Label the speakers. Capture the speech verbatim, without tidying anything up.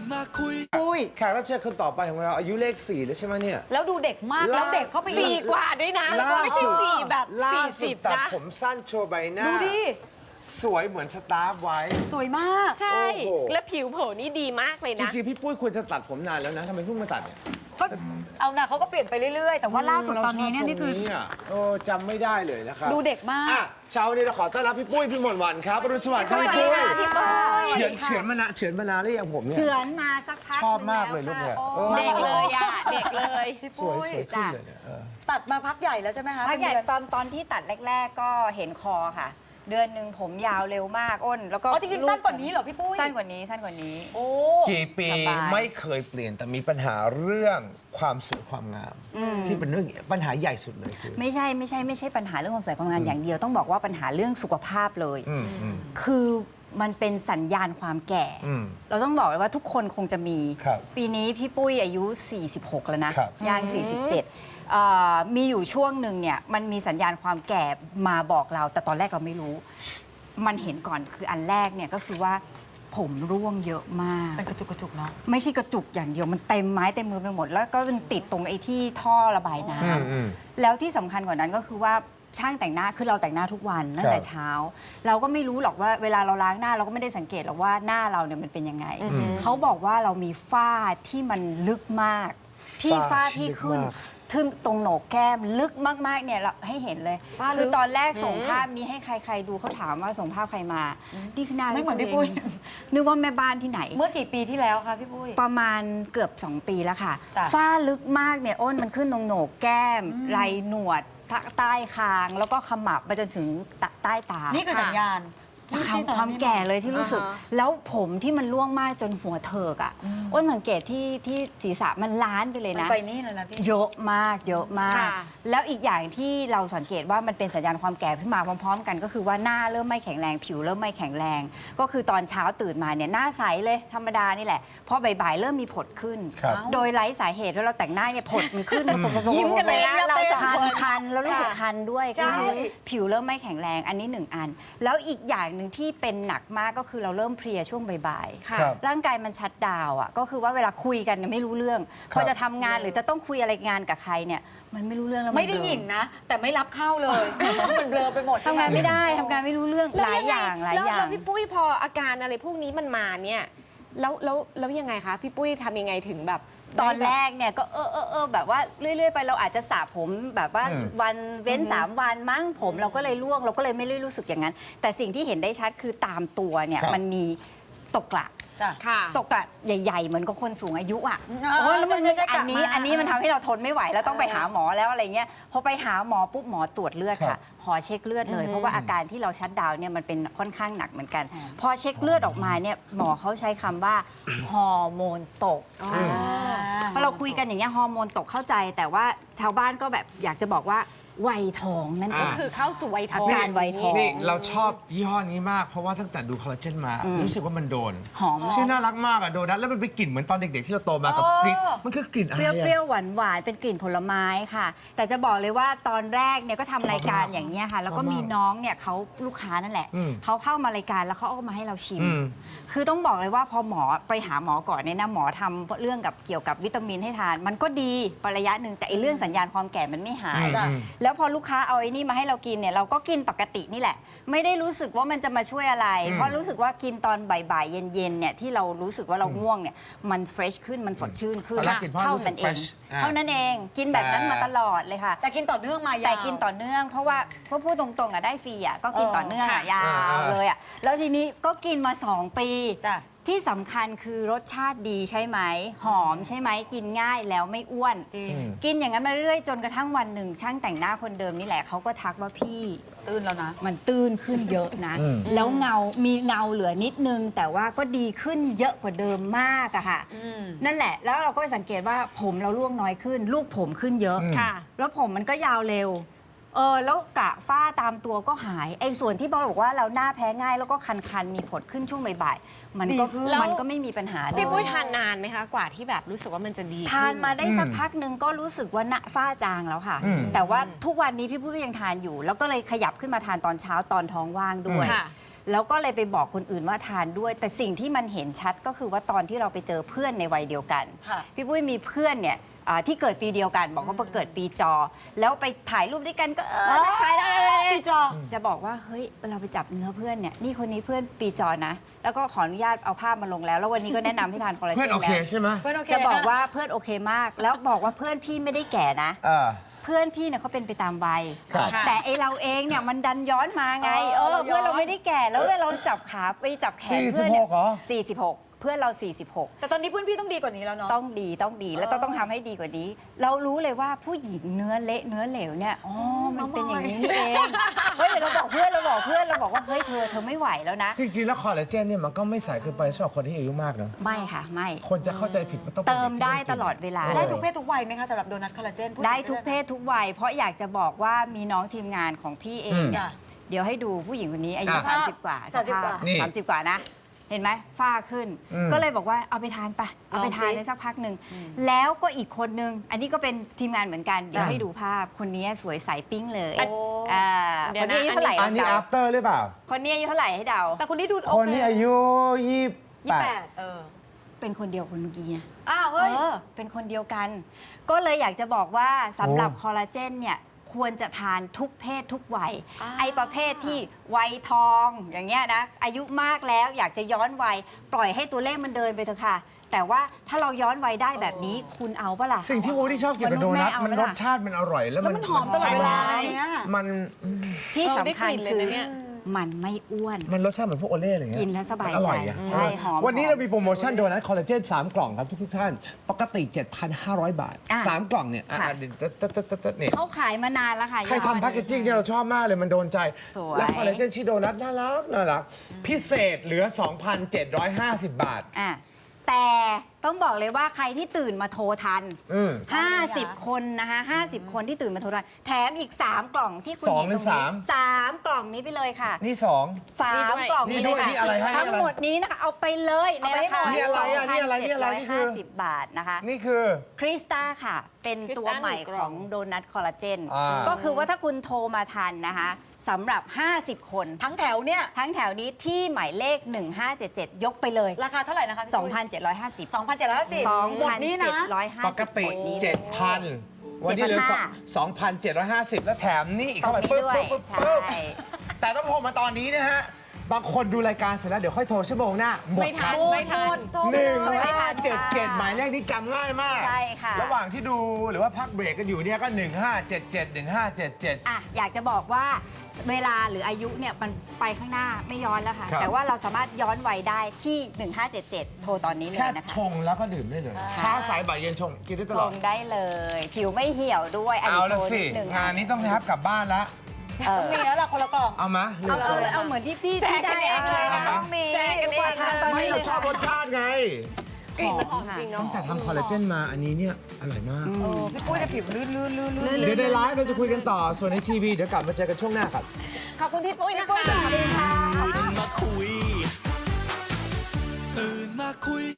Speaker 1: มาคุย
Speaker 2: ปุ้ย
Speaker 3: แขกรับเชิญคนต่อไปของเราอายุเลขสี่แล้วใช่ไหมเนี่ย
Speaker 2: แล้วดูเด็กมาก
Speaker 3: ล่า
Speaker 2: แล้วเด็กเข้าไปอี
Speaker 4: สี่
Speaker 2: ก
Speaker 4: กว่าด้วยนะ
Speaker 3: ล่า
Speaker 4: ไม่ใช่
Speaker 3: สุด
Speaker 4: สี่แบบ
Speaker 3: ล่า
Speaker 4: สี่
Speaker 3: สุ
Speaker 4: สิ
Speaker 3: ด
Speaker 4: บ
Speaker 3: ตัด
Speaker 4: นะ
Speaker 3: ผมสั้นโชว์ใบหน้า
Speaker 2: ดูดิ
Speaker 3: สวยเหมือนสตาร์ฟไว้
Speaker 2: สวยมาก
Speaker 4: ใช่
Speaker 3: โอ้โห
Speaker 4: และผิวเผินนี่ดีมากเลย
Speaker 3: จ
Speaker 4: นะ
Speaker 3: ริงๆพี่ปุ้ยควรจะตัดผมนานแล้วนะทำไมเพิ่งมาตัดเนี่ย
Speaker 2: ก็เอานะเขาก็เปลี่ยนไปเรื่อยๆ แต่ว่าล่าสุดตอนนี้เนี่ยนี่คือ
Speaker 3: ราชบตรงะโอ้จำไม่ได้เลยนะครับ
Speaker 2: ดูเด็กมาก
Speaker 3: อ่ะเช้านี้เราขอต้อนรับพี่ปุ้ยพี่หมอนวันครับอรุณสวัสดิ์ครับพี่ปุ้ยเฉือนเฉือนมานานเฉือนมานานหรือยังผมเนี่ย
Speaker 2: เฉือนมาสักพัก
Speaker 3: ชอบมากเลยลูกเนี่ย
Speaker 2: หนึ่งแล้ว
Speaker 3: เออ
Speaker 2: ค่ะ
Speaker 4: เด็กเลยอ่ะ เด็กเลย
Speaker 2: พี่
Speaker 3: สวย
Speaker 2: ปุ้ย
Speaker 3: สวยขึ้นเลยเนี่ยเออ
Speaker 2: ตัดมาพักใหญ่แล้วใช่ไหมคะ
Speaker 5: พักใหญ่
Speaker 2: เป็นเดือน
Speaker 5: ตอนตอนที่ตัดแรก ๆ ก็เห็นคอค่ะ เดือนหนึ่งผมยาวเร็วมากอ้น แล้วก็
Speaker 2: อ๋อจริงๆสั้นกว่านี้เหรอพี่ปุ้ย
Speaker 5: สั้นกว่านี้สั้นกว่านี้
Speaker 2: โอ้
Speaker 3: กี่ปี
Speaker 5: สบาย
Speaker 3: ไม่เคยเปลี่ยนแต่มีปัญหาเรื่องความสวยความงาม ที่เป็นเรื่องปัญหาใหญ่สุดเลยคือ
Speaker 5: ไม่ใช่ไม่ใช่ไม่ใช่ปัญหาเรื่องความสวยความงามอย่างเดียวต้องบอกว่าปัญหาเรื่องสุขภาพเลย
Speaker 3: อืมอืม
Speaker 5: คือมันเป็นสัญญาณความแก่
Speaker 3: อืม
Speaker 5: เราต้องบอกเลยว่าทุกคนคงจะมี
Speaker 3: ครับ
Speaker 5: ปีนี้พี่ปุ้ยอายุ สี่สิบหก แล้วนะครับ ย่าง สี่สิบเจ็ดเอ่อมีอยู่ช่วงหนึ่งเนี่ยมันมีสัญญาณความแก่มาบอกเรา แต่ตอนแรกเราไม่รู้ มันเห็นก่อนคืออันแรกเนี่ยก็คือว่าผมร่วงเยอะมาก
Speaker 2: เป็นกระจุกกระจุกเนาะ
Speaker 5: ไม่ใช่กระจุกอย่างเดียวมันเต็มไม้เต็มมือไปหมด แล้วก็มันติดตรงไอ้ที่ท่อระบายน้
Speaker 3: อืมอืม
Speaker 5: ำแล้วที่สำคัญกว่านั้นก็คือว่าช่างแต่งหน้าคือเราแต่งหน้าทุกวันตั้งแต่
Speaker 3: ครับ
Speaker 5: เช้า เราก็ไม่รู้หรอกว่าเวลาเราล้างหน้าเราก็ไม่ได้สังเกตหรอกว่าหน้าเราเนี่ยมันเป็นยังไง เขาบอกว่าเรามีฝ้าที่มันลึกมาก พี่
Speaker 3: ฝ้า
Speaker 5: ฝ้า
Speaker 3: ที่
Speaker 5: ที่
Speaker 3: ลึก
Speaker 5: ขึ้น
Speaker 3: มาก
Speaker 5: ทึ่งตรงโหนกแก้มลึกมากๆเนี่ยเราให้เห็นเลย
Speaker 2: ฝ้าลึก
Speaker 5: คือตอนแรกส่งภาพนี้ให้ใครๆดูเขาถามว่าส่งภาพใครมานี่คือหน้า
Speaker 2: ไม่เหมือนพี่
Speaker 5: ตัว
Speaker 2: ปุ้ย
Speaker 5: งนึกว่าแม่บ้านที่ไหน
Speaker 2: เมื่อกี่ปีที่แล้วคะพี่ปุ้ย
Speaker 5: ประมาณเกือบ สอง ปีแล้วค่ะ
Speaker 2: จ้ะ
Speaker 5: ฝ้าลึกมากเนี่ยอ้นมันขึ้นตรงโหนกแก้มไหล่หนวดใต้คาง แล้วก็ขมับไปจนถึงใต้ตา
Speaker 2: นี่คือสัญญาณที่
Speaker 5: ความ
Speaker 2: ที่ตอน
Speaker 5: ความ
Speaker 2: นี้
Speaker 5: แก่เลยที่รู้สึก
Speaker 4: อ่าฮะ
Speaker 5: แล้วผมที่มันร่วงมากจนหัวเถิกอ่ะอ้นสังเกตที่ที่ศีรษะมันล้านไปเลย
Speaker 2: มัน
Speaker 5: นะ
Speaker 2: ไปนี่เลยนะพี่
Speaker 5: เยอะมากเยอะมาก
Speaker 4: ค่ะ
Speaker 5: แล้วอีกอย่างที่เราสังเกตว่ามันเป็นสัญญาณความแก่ขึ้นมาพร้อมๆ กันก็คือว่าหน้าเริ่มไม่แข็งแรงผิวเริ่มไม่แข็งแรง ก็คือตอนเช้าตื่นมาเนี่ยหน้าใสเลยธรรมดานี่แหละพอบ่ายๆเริ่มมีผดขึ้น
Speaker 3: ครับ
Speaker 5: โดยไร้สาเหตุแล้วเราแต่งหน้าเนี่ยผดมันขึ้น
Speaker 4: ยิ้มกันเลยนะเราจะ
Speaker 5: คันคันแล้วรู้สึกคันด้วย
Speaker 2: ใช่
Speaker 5: คือผิวเริ่มไม่แข็งแรงอันนี้หนึ่งอัน แล้วอีกอย่างหนึ่งที่เป็นหนักมากก็คือเราเริ่มเพลียช่วงบ่ายๆ
Speaker 4: ค่ะ
Speaker 3: ครับ
Speaker 5: ร่างกายมันชัดดาวน์อ่ะก็คือว่าเวลาคุยกันเนี่ยไม่รู้เรื่อง พอจะทำงานหรือจะต้องคุยอะไรงานกับใครเนี่ยมันไม่รู้เรื่องแล้วน
Speaker 2: ไม่ได้
Speaker 5: เบลอ
Speaker 2: หยิ่งนะ แต่ไม่รับเข้าเลยมันเบลอไปหมด
Speaker 5: ทำงานไม่ได้ทำงานไม่รู้เรื่องหลายอย่างหลาย
Speaker 4: แล้ว
Speaker 5: อย่าง
Speaker 4: แล้วพี่ปุ้ยพออาการอะไรพวกนี้มันมาเนี่ยแล้วแล้วแล้วยังไงคะพี่ปุ้ยทำยังไงถึงแบบ
Speaker 5: ตอนแรกเนี่ยก็เออเออเออแบบว่าเรื่อยๆไปเราอาจจะสระผมแบบว่า
Speaker 3: อืม
Speaker 5: วันเว้นสามวันมั้งผมเราก็เลยร่วงเราก็เลยไม่ได้รู้สึกอย่างนั้น แต่สิ่งที่เห็นได้ชัดคือตามตัวเนี่ย
Speaker 3: ครับ
Speaker 5: มันมีตกกระ
Speaker 2: จ้ะ
Speaker 4: ค่ะ
Speaker 5: ตกกระใหญ่ๆ เหมือนกับคนสูงอายุอ่ะ
Speaker 2: อ๋อ
Speaker 5: โอ้ยแล้วมัน
Speaker 2: ใช่ใช่
Speaker 5: อันนี้
Speaker 2: กลับมา
Speaker 5: อันนี้มันทำให้เราทนไม่ไหวแล้วต้องไปหาหมอแล้วอะไรเงี้ยพอไปหาหมอปุ๊บหมอตรวจเลือด
Speaker 3: ครั
Speaker 5: ค่ะ
Speaker 3: บ
Speaker 5: ขอเช็คเลือดเลย เพราะว่าอาการที่เราชัดดาวน์เนี่ยมันเป็นค่อนข้างหนักเหมือนกัน พอเช็คเลือดออกมาเนี่ยหมอเขาใช้คำว่าฮอร์โมนตกพอเราคุยกันอย่างเงี้ยฮอร์โมนตกเข้าใจ แต่ว่าชาวบ้านก็แบบอยากจะบอกว่าวัยทองนั่นเอง
Speaker 4: คือเข้าสู่วัยทอง
Speaker 5: อาการวัยทอง
Speaker 3: นี่เราชอบยี่ห้อนี้มาก เพราะว่าตั้งแต่ดูคอลลาเจนมา รู้สึกว่ามันโดน
Speaker 5: หอม
Speaker 3: ชื่อน่ารักมากอะโดนัทแล้วมันเป็นกลิ่นเหมือนตอนเด็กๆที่เราโตมากับกลิ่นมันคือกลิ่นอะไร
Speaker 5: เปรี้ยว
Speaker 3: อะ
Speaker 5: เปรี้ยวหวานหวานๆเป็นกลิ่นผลไม้ค่ะ แต่จะบอกเลยว่าตอนแรกเนี่ยก็ทำรายการอย่างเงี้ยค่ะ แล้วก็มีน้องเนี่ยเขาลูกค้านั่นแหละ
Speaker 3: อืม
Speaker 5: เขาเข้ามารายการแล้วเขาเอามาให้เราชิม
Speaker 3: อืม
Speaker 5: คือต้องบอกเลยว่าพอหมอไปหาหมอก่อนเนี่ยนะหมอทำเรื่องกับเกี่ยวกับวิตามินให้ทาน มันก็ดีประยะหนึ่งแต่ไอ้เรื่องสัญญาณความแก่มันไม่หาย
Speaker 3: อืม
Speaker 5: แล้วพอลูกค้าเอาไอ้นี่มาให้เรากินเนี่ยเราก็กินปกตินี่แหละ ไม่ได้รู้สึกว่ามันจะมาช่วยอะไร เพราะรู้สึกว่ากินตอนบ่ายๆเย็นๆเนี่ยที่เรารู้สึกว่าเราง่วงเนี่ยมันเฟรชขึ้นมันสดชื่นขึ้น
Speaker 3: ตอนแรกกินเพราะ
Speaker 5: เท่า
Speaker 3: รู้สึ
Speaker 5: นั้
Speaker 3: ก
Speaker 5: นเอง
Speaker 3: fresh อ่า
Speaker 5: เท่านั้นเองกินแบบนั้นมาตลอดเลยค่ะ
Speaker 2: แต่กินต่อเนื่องมายาว
Speaker 5: แต่กินต่อเนื่องเพราะว่าเพราะพูดตรงๆอ่ะได้ฟรีอ่ะก็กิน
Speaker 2: เออ
Speaker 5: ต่อเนื่องอ่ะ
Speaker 4: ค่ะ
Speaker 5: ยาวเลยอ่ะแล้วทีนี้ก็กินมาสองปี
Speaker 2: จ้ะ
Speaker 5: ที่สำคัญคือรสชาติดีใช่ไหมหอมใช่ไหมกินง่ายแล้วไม่อ้วน
Speaker 2: จริง
Speaker 5: กินอย่างนั้นมาเรื่อยๆจนกระทั่งวันหนึ่งช่างแต่งหน้าคนเดิมนี่แหละเขาก็ทักว่าพี่
Speaker 2: ตื่นแล้วนะ
Speaker 5: มันตื้นขึ้นเยอะนะ แล้วเงา มีเงาเหลือนิดนึง แต่ว่าก็ดีขึ้นเยอะกว่าเดิมมากอะค่ะ นั่นแหละ แล้วเราก็ไปสังเกตว่าผมเราร่วงน้อยขึ้น ลูกผมขึ้นเยอะ
Speaker 4: ค่ะ
Speaker 5: แล้วผมมันก็ยาวเร็ว เออ แล้วกระฝ้าตามตัวก็หาย ไอ้ส่วนที่บอกว่าเราหน้าแพ้ง่าย แล้วก็คันๆ มีผดขึ้นช่วงบ่ายๆ มันก็
Speaker 2: ดีขึ้น
Speaker 5: มันก็ไม่มีปัญหา
Speaker 4: พี่ปุ้ย
Speaker 5: เลย
Speaker 4: ทานนานไหมคะกว่าที่แบบรู้สึกว่ามันจะดีขึ้
Speaker 5: ทานมาได้สักพักหนึ่งก็รู้สึกว่าหน้าฝ้าจางแล้วค่ะ แต่ว่าทุกวันนี้พี่ปุ้ยก็ยังทานอยู่ แล้วก็เลยขยับขึ้นมาทานตอนเช้าตอนท้องว่างด้วย
Speaker 4: ค่ะ
Speaker 5: แล้วก็เลยไปบอกคนอื่นว่าทานด้วย แต่สิ่งที่มันเห็นชัดก็คือว่าตอนที่เราไปเจอเพื่อนในวัยเดียวกัน
Speaker 2: ค่ะ
Speaker 5: พี่ปุ้ยมีเพื่อนเนี่ยอ่าที่เกิดปีเดียวกัน บอกว่าเกิดปีจอ แล้วไปถ่ายรูปด้วยกันก็เออถ่ายได้ปีจอจะบอกว่าเฮ้ยเราไปจับเนื้อเพื่อนเนี่ยนี่คนนี้เพื่อนปีจอนะ แล้วก็ขออนุญาตเอาภาพมาลงแล้ว แล้ววันนี้ก็แนะนำให้ทานคอลลาเจน
Speaker 3: เพื่อนโอเค
Speaker 5: แล้ว
Speaker 3: ใช่ไหม
Speaker 2: เพื่อนโอเค
Speaker 5: จะบอกว่าเพื่อนโอเคมาก แล้วบอกว่าเพื่อนพี่ไม่ได้แก่นะ
Speaker 3: เออ
Speaker 5: เพื่อนพี่เนี่ยเขาเป็นไปตามวัย
Speaker 3: ครับ
Speaker 5: แต่ไอเราเองเนี่ยมันดันย้อนมาไง
Speaker 2: เอ
Speaker 5: เอ
Speaker 2: อ
Speaker 5: อ เพื่อน
Speaker 2: เราย้อน
Speaker 5: เราไม่ได้แก่ แล้วเราจับขาไปจับแขนเพื่อน
Speaker 3: สี่สิบหกเหรอ
Speaker 5: สี่สิบหกเพื่อนเรา สี่สิบหก
Speaker 2: แต่ตอนนี้เพื่อนพี่ต้องดีกว่านี้แล้วเนาะ
Speaker 5: ต้องดีต้องดีแล้วต้องต้องทำให้ดีกว่านี้ เรารู้เลยว่าผู้หญิงเนื้อเละเนื้อเหลวเนี่ยอ๋อมันเป็นอย่างนี้นี่เองเฮ้ยเดี๋ยวเราบอกเพื่อนเราบอกเพื่อนเราบอกว่าเฮ้ยเธอเธอไม่ไหวแล้วนะ
Speaker 3: จริงๆแล้วคอลลาเจนเนี่ยมันก็ไม่สายเกินไปสำหรับคนที่อายุมากเนอะ
Speaker 5: ไม่ค่ะไม่
Speaker 3: คนจะเข้าใจผิดว่าต้องป็น
Speaker 5: เติม
Speaker 3: ด็กที่
Speaker 5: ได้
Speaker 3: องกิน
Speaker 5: ตลอดเวลา
Speaker 2: ได้ทุกเพศทุกวัยไหมคะสำหรับโดนัทคอลลาเจนพู
Speaker 5: ได้
Speaker 2: ถึง
Speaker 5: ทุกเพศทุกวัย เพราะอยากจะบอกว่ามีน้องทีมงานของพี่เองเนี่ย
Speaker 2: จ้ะ
Speaker 5: เดี๋ยวให้ดูผู้หญิงคนนี้อายุ
Speaker 3: อ่ะ
Speaker 5: สามสิบกว่า
Speaker 2: สามสิบกว่า
Speaker 3: นี่
Speaker 5: สามสิบกว่านะ เห็นไหมฝ้าขึ้น
Speaker 3: อืม
Speaker 5: ก็เลยบอกว่าเอาไปทานไปเอาไปทาน
Speaker 2: ลองสิ
Speaker 5: ในสักพักหนึ่งแล้วก็อีกคนนึง อันนี้ก็เป็นทีมงานเหมือนกัน เดี๋ยว
Speaker 3: อ่ะ
Speaker 5: ให้ดูภาพคนนี้สวยใสปิ้งเลย
Speaker 4: โอ้
Speaker 5: อ่า
Speaker 4: เดี๋
Speaker 5: ค
Speaker 4: ยวน นะ
Speaker 5: นี้อายุเท่าไหร่
Speaker 3: อันนี้
Speaker 5: เดา
Speaker 3: after หรือเปล่า
Speaker 5: คนนี้อายุเท่าไหร่ให้เดา
Speaker 2: แต่คนนี้ดูโอ
Speaker 3: คน
Speaker 2: เค
Speaker 3: นี้อายุยี่
Speaker 2: ยี่
Speaker 3: แป
Speaker 2: แป
Speaker 3: ด
Speaker 2: ดเออ
Speaker 5: เป็นคนเดียวคนเมื่อกี้นะ
Speaker 2: อ้าวเฮ้ย
Speaker 5: เออเป็นคนเดียวกัน ก็เลยอยากจะบอกว่าสำหรับ
Speaker 3: โอ้
Speaker 5: คอลลาเจนเนี่ยควรจะทานทุกเพศทุกวัย
Speaker 2: อ่า
Speaker 5: ไอประเภทที่วัยทองอย่างเงี้ยนะอายุมากแล้วอยากจะย้อนวัย ปล่อยให้ตัวเลขมันเดินไปเถอะค่ะ แต่ว่าถ้าเราย้อนวัยได้แบบนี้คุณเอาปะล่ะ
Speaker 3: สิ่งที่วูดที่ชอบกินกับโดนัท
Speaker 5: มนุษย์
Speaker 3: มัน
Speaker 5: ไม่
Speaker 3: ร
Speaker 5: เอา
Speaker 3: สชาติมันอร่อยแล้ว
Speaker 2: แล้วมันหอมตลอดเวลาอย่างเงี้ย
Speaker 3: มัน
Speaker 5: ที่
Speaker 4: เออได้
Speaker 5: สำคัญ
Speaker 4: กลิ่นเลย
Speaker 5: คือ
Speaker 4: นะเนี่ย
Speaker 5: มันไม่อ้วน
Speaker 3: มันรสชาติเหมือนพวกโอเล่อะไรเงี้ย
Speaker 5: กินแล้วสบายใจ
Speaker 3: อร่อยอะ
Speaker 5: ใช่หอม
Speaker 3: วันนี้เรามีโปรโมชั่นโดนัทคอลลาเจนสามกล่องครับทุกๆท่าน ปกติ เจ็ดพันห้าร้อย บาท
Speaker 5: อ่ะ
Speaker 3: สามกล่องเนี่ยอ่ะ
Speaker 5: ค่ะ
Speaker 3: เดี๋ยวตึ๊ดตึ๊ดตึ๊ดตึ๊ดเนี่ย
Speaker 5: เขาขายมานานแล้วค่ะ
Speaker 3: ใครทำแพคเกจจิ้งเนี่ยเราชอบมากเลยมันโดนใจ
Speaker 5: สวย
Speaker 3: และคอลลาเจนชีโดนัทน่ารักน่ารักพิเศษเหลือ สองพันเจ็ดร้อยห้าสิบ บาท
Speaker 5: อ่ะแต่ต้องบอกเลยว่าใครที่ตื่นมาโทรทัน
Speaker 3: อืม
Speaker 5: 50 คนนะคะ50 คนที่ตื่นมาโทรทันแถมอีก 3 กล่องที่คุณ
Speaker 3: สอง
Speaker 5: เห็น
Speaker 3: หรื
Speaker 5: ตร
Speaker 3: อง
Speaker 5: นี้
Speaker 3: สาม
Speaker 5: สามกล่องนี้ไปเลยค่ะ
Speaker 3: นี่สอง
Speaker 5: สามกล่อง
Speaker 3: นี่
Speaker 5: นี้
Speaker 3: ด้
Speaker 5: เล
Speaker 3: วย
Speaker 5: ย
Speaker 3: นี่อะไร
Speaker 5: ค่ะ
Speaker 3: ให้
Speaker 5: ทั้งหมดนี้นะคะเอาไปเลยในราคา
Speaker 3: นี่อะไรอ่ะนี่อะไรนี่อะไรนี่คือ
Speaker 5: สงพันเจ็ดร้อยห้าสิบบาทนะคะ
Speaker 3: นี่คือ
Speaker 5: คริสตาค่ะ เป็นตัวใหม่
Speaker 4: คริสตาหนึ่งก
Speaker 5: ข
Speaker 4: ล่
Speaker 5: อ
Speaker 4: อง ง
Speaker 5: โดนัทคอลลาเจน
Speaker 3: อ่า
Speaker 5: ก็คือว่าถ้าคุณโทรมาทันนะคะสำหรับ ห้าสิบ คน
Speaker 2: ทั้งแถวเนี่ย
Speaker 5: ทั้งแถวนี้ที่หมายเลข หนึ่งห้าเจ็ดเจ็ด ยกไปเลย
Speaker 2: ราคาเท่าไหร่นะคะพี่
Speaker 5: สองพันเจ็ดร้อยห้าสิบ
Speaker 2: สองพันเจ็ดร้อยห้าสิบหมดนี้นะ
Speaker 5: 2,750
Speaker 3: ปกติ
Speaker 5: หมดนี้
Speaker 3: เจ็ดพันวันนี้เหลือ
Speaker 5: เจ็ดพันห้า
Speaker 3: สองพันเจ็ดร้อยห้าสิบแล้วแถมนี่อีก
Speaker 5: ตร
Speaker 3: เข้าง ไป
Speaker 5: นี้
Speaker 3: ปึ๊บ
Speaker 5: ด้วย
Speaker 3: ปึ๊บปึ๊บ
Speaker 5: ใช่
Speaker 3: ปึ๊บแต่ต้องโทรมาตอนนี้นะฮะ บางคนดูรายการเสร็จแล้วเดี๋ยวค่อยโทรชั่วโมงหน้าหมด
Speaker 4: ไม่
Speaker 3: ค
Speaker 4: ทั
Speaker 3: รั
Speaker 4: น
Speaker 3: บ
Speaker 4: ไม่ทัน
Speaker 3: หนึ่ง
Speaker 5: ไม่ทั
Speaker 3: ห้าน เจ็ดเจ็ด
Speaker 5: ค่ะ
Speaker 3: หมายเลขนี้จำง่ายมาก
Speaker 5: ใช่ค่ะ
Speaker 3: ระหว่างที่ดูหรือว่าพักเบรกกันอยู่เนี่ยก็หนึ่งห้าเจ็ดเจ็ดหนึ่งห้าเจ็ดเจ็ด
Speaker 5: อ่ะอยากจะบอกว่าเวลาหรืออายุเนี่ยมันไปข้างหน้าไม่ย้อนแล้วค่ะ
Speaker 3: ครับ
Speaker 5: แต่ว่าเราสามารถย้อนวัยได้ที่ หนึ่งห้าเจ็ดเจ็ด โทรตอนนี้เลย
Speaker 3: แค่
Speaker 5: นะคะ
Speaker 3: ชงแล้วก็ดื่มได้เลยเช้าสายบ่ายเย็นชงกินได้ต
Speaker 5: ล
Speaker 3: ลอด
Speaker 5: งได้เลย ผิวไม่เหี่ยวด้วยอัน
Speaker 3: เอา
Speaker 5: นี้
Speaker 3: ละ
Speaker 5: โชว์
Speaker 3: สิ
Speaker 5: นิดนึง
Speaker 3: งานนี้ต้องนะครับกลับบ้านแล้ว
Speaker 5: เออ
Speaker 2: มีแล้วล่ะคนละกล่อง
Speaker 3: เอามา
Speaker 5: เอาเอาเอาเหมือนที่พี่พี่ได้
Speaker 4: แจกกันเองเลย
Speaker 5: เอา
Speaker 2: ต้องมี
Speaker 4: แจกกันเอง
Speaker 5: ทานตอน
Speaker 3: ไม่
Speaker 5: นี้เล
Speaker 3: เรา
Speaker 5: ย
Speaker 3: ชอบรสชาติไง
Speaker 4: กลิ่นมันหอมจริงเนาะ
Speaker 3: ตั้งแต่ทำคอลลาเจนมาอันนี้เนี่ยอร่อยมาก
Speaker 2: เออพี่ปุ้ยเนี่ยผิวลื่นลื่นลื่นลื่น
Speaker 3: เดี๋ยวในไลฟ์เราจะคุยกันต่อ ส่วนในทีวีเดี๋ยวกลับมาเจอกันช่วงหน้าครับ
Speaker 4: ขอบคุณพี่ปุ้ยนะคะ
Speaker 1: ตื่นมาคุย ตื่นมาคุย